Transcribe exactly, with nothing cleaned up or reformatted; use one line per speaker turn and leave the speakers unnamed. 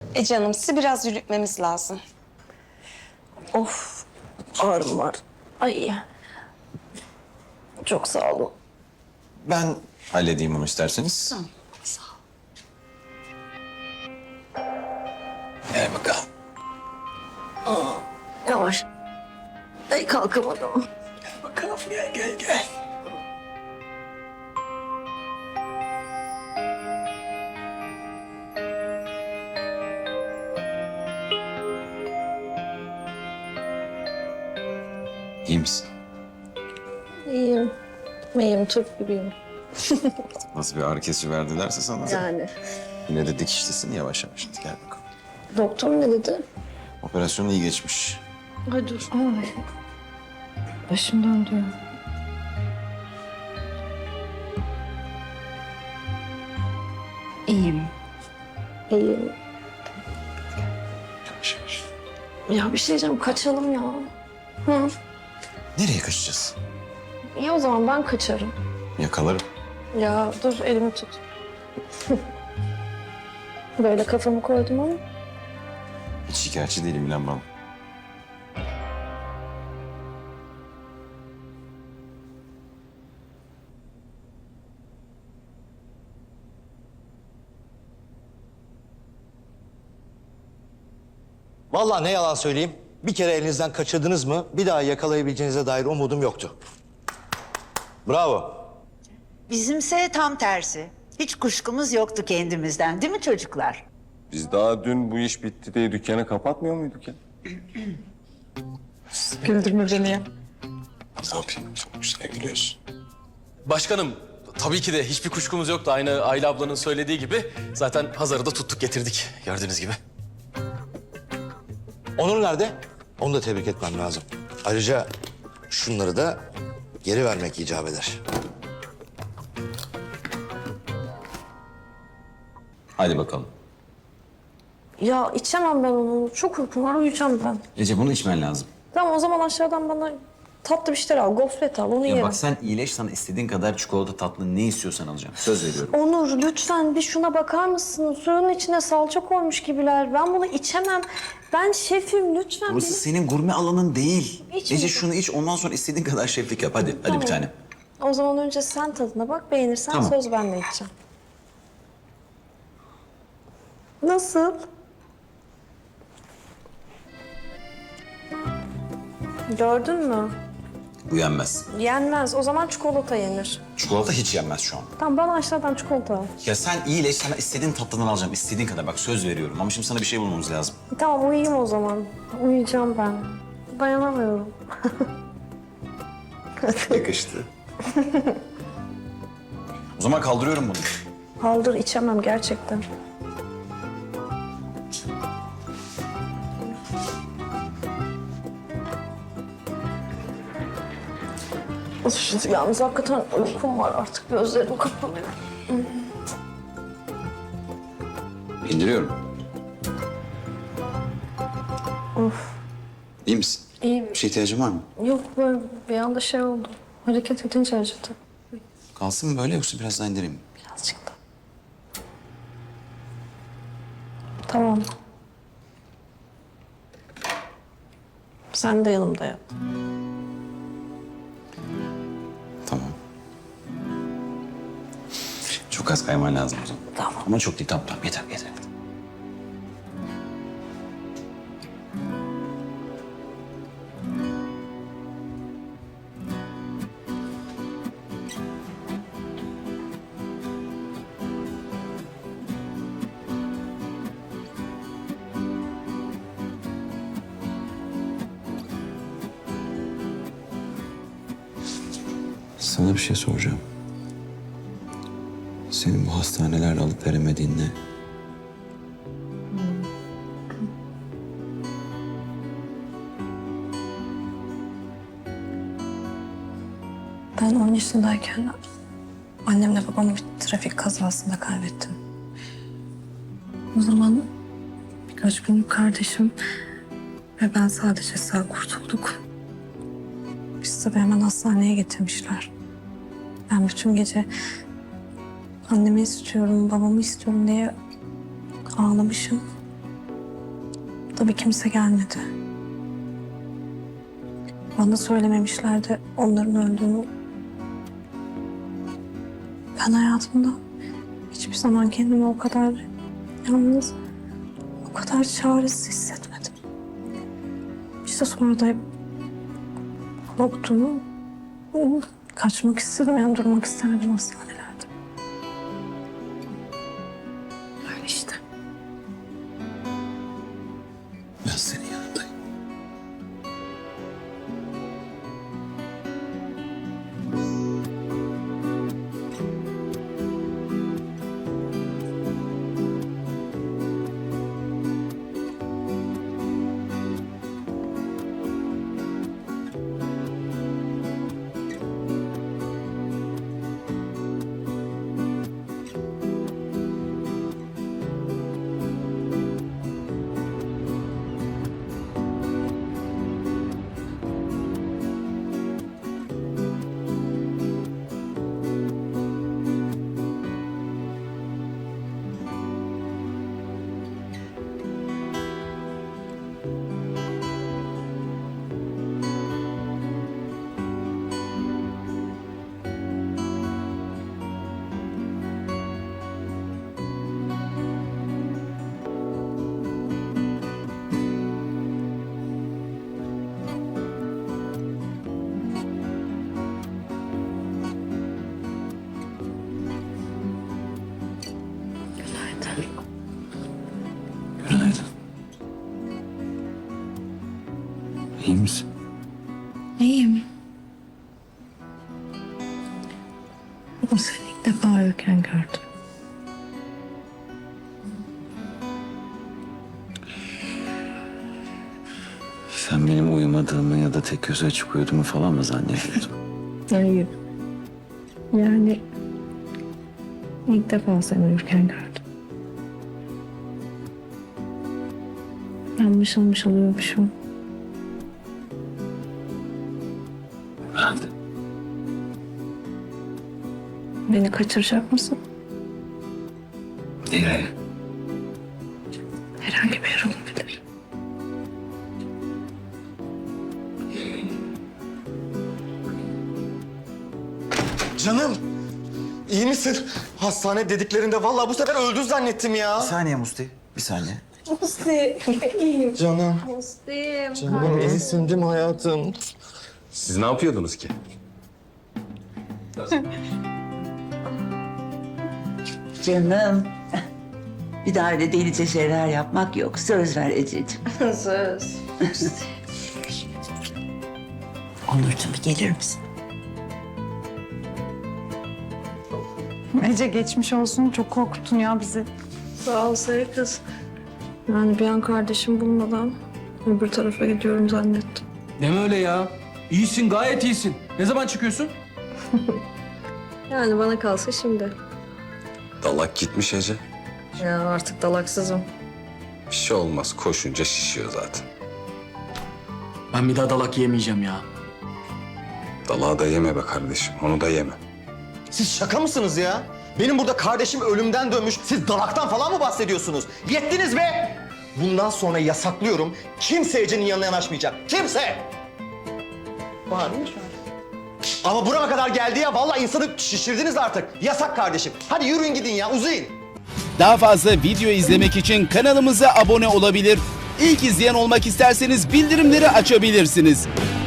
E canım, sizi biraz yürütmemiz lazım.
Of, ağrım var. Ay. Çok sağ olun.
Ben halledeyim onu isterseniz.
Tamam, sağ ol.
Gel bakalım.
Yavaş. Ay kalkamadım.
Bakalım gel gel gel. İyi misin?
İyiyim. İyiyim, Türk gibiyim.
Nasıl bir ağrı kesici verdilerse sana.
Yani.
Yine de dikişlisin yavaş yavaş. Hadi gel bakalım.
Doktor ne dedi?
Operasyon iyi geçmiş.
Ay dur. Ay. Başım döndü. İyiyim. İyiyim.
Yavaş yavaş.
Ya bir şey diyeceğim, kaçalım ya. Hı.
Nereye kaçacağız?
İyi o zaman ben kaçarım.
Yakalarım.
Ya dur elimi tut. Böyle kafamı koydum ama.
Hiç şikayetçi değilim inan bana.
Vallahi ne yalan söyleyeyim. Bir kere elinizden kaçırdınız mı bir daha yakalayabileceğinize dair umudum yoktu. Bravo.
Bizimse tam tersi. Hiç kuşkumuz yoktu kendimizden, değil mi çocuklar?
Biz daha dün bu iş bitti diye dükkanı kapatmıyor muyduk ya?
Güldürme beni ya.
Ne yapayım? Çok güzel gülüyorsun.
Başkanım, tabii ki de hiçbir kuşkumuz yoktu. Aynı Ayla ablanın söylediği gibi. Zaten Hazar'ı da tuttuk getirdik gördüğünüz gibi.
Onur nerede? Onu da tebrik etmem lazım. Ayrıca şunları da geri vermek icap eder.
Hadi bakalım.
Ya içemem ben onu. Çok uykum var, uyuyacağım ben.
Ece bunu içmen lazım.
Tamam o zaman aşağıdan bana tatlı bir şeyler al. Gofret al, onu
Ya
yerim.
bak sen iyileş, sana istediğin kadar çikolata, tatlı ne istiyorsan alacağım. Söz veriyorum.
Onur lütfen bir şuna bakar mısın? Suyun içine salça koymuş gibiler. Ben bunu içemem. Ben şefim lütfen.
Burası
beni-
senin gurme alanın değil.
İç
Ece
mi?
şunu iç, ondan sonra istediğin kadar şeflik yap. Hadi, hadi
Tamam.
bir tane.
O zaman önce sen tadına bak. Beğenirsen
Tamam.
söz ben de içeceğim. Nasıl? Gördün mü?
Bu yenmez.
Yenmez. O zaman çikolata yenir.
Çikolata hiç yenmez şu an.
Tamam bana aşağıdan çikolata al.
Ya sen iyileş, sana istediğin tatlıdan alacağım. İstediğin kadar bak söz veriyorum. Ama şimdi sana bir şey bulmamız lazım.
Tamam uyuyayım o zaman. Uyuyacağım ben. Dayanamıyorum.
Yakıştı. O zaman kaldırıyorum bunu.
Kaldır içemem gerçekten. Of, yalnız hakikaten uykum var artık. Gözlerim kapanıyor.
İndiriyorum.
Of.
İyi misin?
İyiyim.
Bir şey ihtiyacın var mı?
Yok böyle bir anda şey oldu. Hareket edince acıdı.
Kalsın mı böyle yoksa biraz daha indireyim mi?
Birazcık da. Tamam. Sen de yanımda yat.
Tamam. Çok az kayman lazım o zaman.
Tamam.
Ama çok değil, tamam tamam. Yeter, yeter. Sana bir şey soracağım. Senin bu hastanelerle alıp veremediğin ne?
Ben on yaşındayken annemle babamı bir trafik kazasında kaybettim. O zaman birkaç günlük kardeşim ve ben sadece sağ kurtulduk. Biz tabii hemen hastaneye getirmişler. Ben bütün gece annemi istiyorum, babamı istiyorum diye ağlamışım. Tabii kimse gelmedi. Bana söylememişlerdi onların öldüğünü. Ben hayatımda hiçbir zaman kendimi o kadar yalnız, o kadar çaresiz hissetmedim. İşte sonra da korktum. Kaçmak istedim, yani durmak istemedim hastanelerde. Öyle işte.
Ben senin yanındayım. Günaydın. İyi misin?
İyiyim. Ama seni ilk defa uyurken gördüm.
Sen benim uyumadığımı ya da tek gözü açık uyuduğumu falan mı zannediyordun?
Hayır. Yani ilk defa seni uyurken gördüm. Ben mışıl mışıl uyumuşum.
Ben de.
Beni kaçıracak mısın?
Nereye?
Herhangi bir yer olabilir.
Canım, iyi misin? Hastane dediklerinde vallahi bu sefer öldü zannettim ya.
Bir saniye Musti. Bir saniye.
Canım,
Muslim.
canım iyisin değil mi hayatım?
Siz ne yapıyordunuz ki?
Canım. Bir daha öyle delice şeyler yapmak yok. Söz ver Ececiğim.
Söz.
Onurcuğum bir gelir misin?
Ece geçmiş olsun. Çok korkuttun ya bizi.
Sağ ol Sayı kız. Yani bir an kardeşim bulmadan öbür tarafa gidiyorum zannettim.
Deme öyle ya. İyisin, gayet iyisin. Ne zaman çıkıyorsun?
Yani bana kalsa şimdi.
Dalak gitmiş Ece.
Ya artık dalaksızım.
Bir şey olmaz. Koşunca şişiyor zaten.
Ben bir daha dalak yemeyeceğim ya.
Dalağı da yeme be kardeşim. Onu da yeme.
Siz şaka mısınız ya? Benim burada kardeşim ölümden dönmüş. Siz dalaktan falan mı bahsediyorsunuz? Yettiniz be! Bundan sonra yasaklıyorum. Kimse Ece'nin yanına yanaşmayacak. Kimse! Var mı şu an? Ama burama kadar geldi ya. Vallahi insanı şişirdiniz artık. Yasak kardeşim. Hadi yürüyün gidin ya. Uzayın.
Daha fazla video izlemek için kanalımıza abone olabilir. İlk izleyen olmak isterseniz bildirimleri açabilirsiniz.